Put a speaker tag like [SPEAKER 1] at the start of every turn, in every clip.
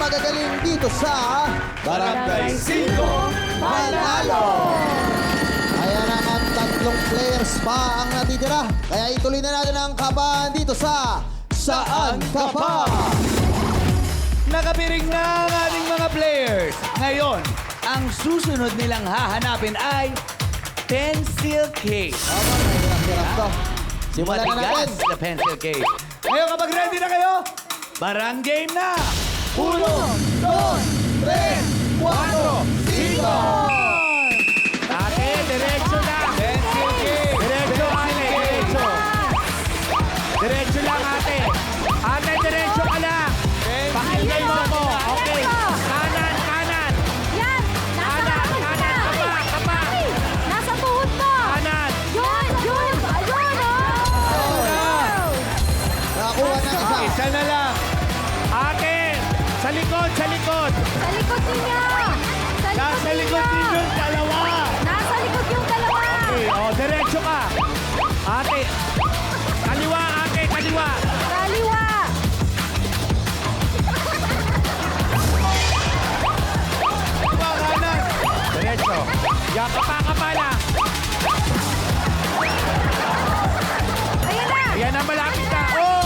[SPEAKER 1] magagaling dito sa
[SPEAKER 2] Barangay 5
[SPEAKER 1] Panalo! Ayan na ang tatlong players pa ang natitira. Kaya ituloy na natin ang kabahan dito sa Saan Ka Pa?
[SPEAKER 2] Nakapiring na ang ating mga players. Ngayon, ang susunod nilang hahanapin ay pencil case.
[SPEAKER 1] Tama, mahirap-hirap to. Simulan na natin.
[SPEAKER 2] Matigas na pencil case. Ngayon, kapag ready na kayo, barang game na! 1, 2, 3, 4, 5! Ate, diretso na! Pencil case! Diretso, ate! Diretso! Diretso lang, ate! Ate, diretso ka lang! Pakinggan mo ako! Okay! Kanan, kanan!
[SPEAKER 3] Yan! Nasa
[SPEAKER 2] Kanan,
[SPEAKER 3] tuhod
[SPEAKER 2] kanan!
[SPEAKER 3] mo!
[SPEAKER 2] Kapa, kapa!
[SPEAKER 3] Ay! Nasa tuhod mo!
[SPEAKER 2] Kanan!
[SPEAKER 3] Yun! Yun! Ayun! Oh!
[SPEAKER 1] Nakakuha ng isa.
[SPEAKER 2] Isa na lang! Ate! Sa likod, sa likod!
[SPEAKER 3] Sa likod niya!
[SPEAKER 2] Nasa likod ninyo yung dalawa!
[SPEAKER 3] Nasa likod yung dalawa!
[SPEAKER 2] Okay, oh, diretso ka! Ate! Kaliwa, ate! Kaliwa!
[SPEAKER 3] Kaliwa!
[SPEAKER 2] Kaliwa, kanan! Diretso! Ya, kapa na!
[SPEAKER 3] Ayan na!
[SPEAKER 2] Ayan na, malapit na! Oh!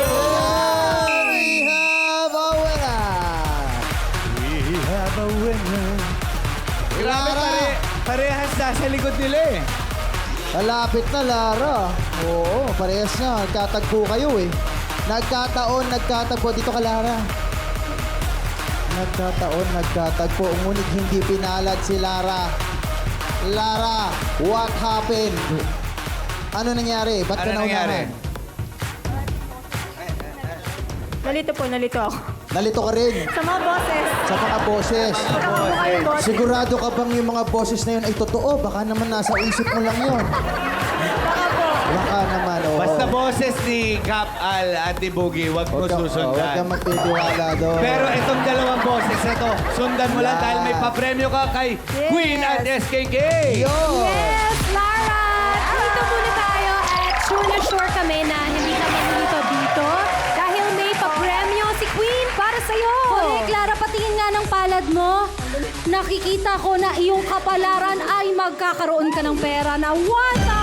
[SPEAKER 1] We have a winner!
[SPEAKER 2] We have a winner. Grabe,
[SPEAKER 1] Lara.
[SPEAKER 2] parehas sa likod nila eh.
[SPEAKER 1] Malapit na, Lara. Oo, parehas na. Nagkatagpo kayo eh. Nagkatagpo. Dito ka, Lara. Nagkatagpo. Ngunit hindi pinalad si Lara. Lara, what happened? Ano nangyari? Ba't ka
[SPEAKER 2] Ano nangyari?
[SPEAKER 1] naunahan?
[SPEAKER 4] Nalito ako.
[SPEAKER 1] Nalito ka rin
[SPEAKER 4] Sa mga boses.
[SPEAKER 1] sa mga boses.
[SPEAKER 4] Kakamukha yung boses.
[SPEAKER 1] Sigurado ka bang yung mga boses na yun ay totoo? Baka naman nasa isip mo lang yun.
[SPEAKER 4] Baka po.
[SPEAKER 1] Baka naman, oo.
[SPEAKER 2] Basta boses ni Cap Al at ni Boogie, wag mo
[SPEAKER 1] Huwag kang
[SPEAKER 2] susundan.
[SPEAKER 1] magtitiwala doon.
[SPEAKER 2] Pero itong dalawang boses na to, sundan mo lang
[SPEAKER 1] Yeah.
[SPEAKER 2] dahil may papremyo ka kay Queen at SKK.
[SPEAKER 1] Yo!
[SPEAKER 5] Yes, Lara! Dito muna tayo at sure na sure kami na hindi ka manilito dito dahil may papremyo si Queen para sa'yo.
[SPEAKER 3] Hoy, Clara, patingin nga ng palad mo. Nakikita ko na iyong kapalaran ay magkakaroon ka ng pera na 1,000,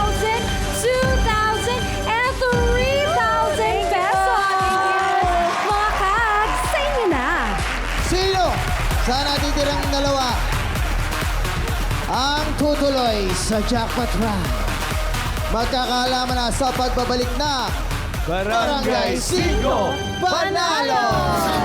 [SPEAKER 3] 2,000, and 3,000 pesos. Mga kags, sa inyo na.
[SPEAKER 1] Sino sa natitirang dalawa ang tutuloy sa jackpot round? Magkakaalaman na sa pagbabalik na
[SPEAKER 2] Barangay
[SPEAKER 1] 5 Panalo!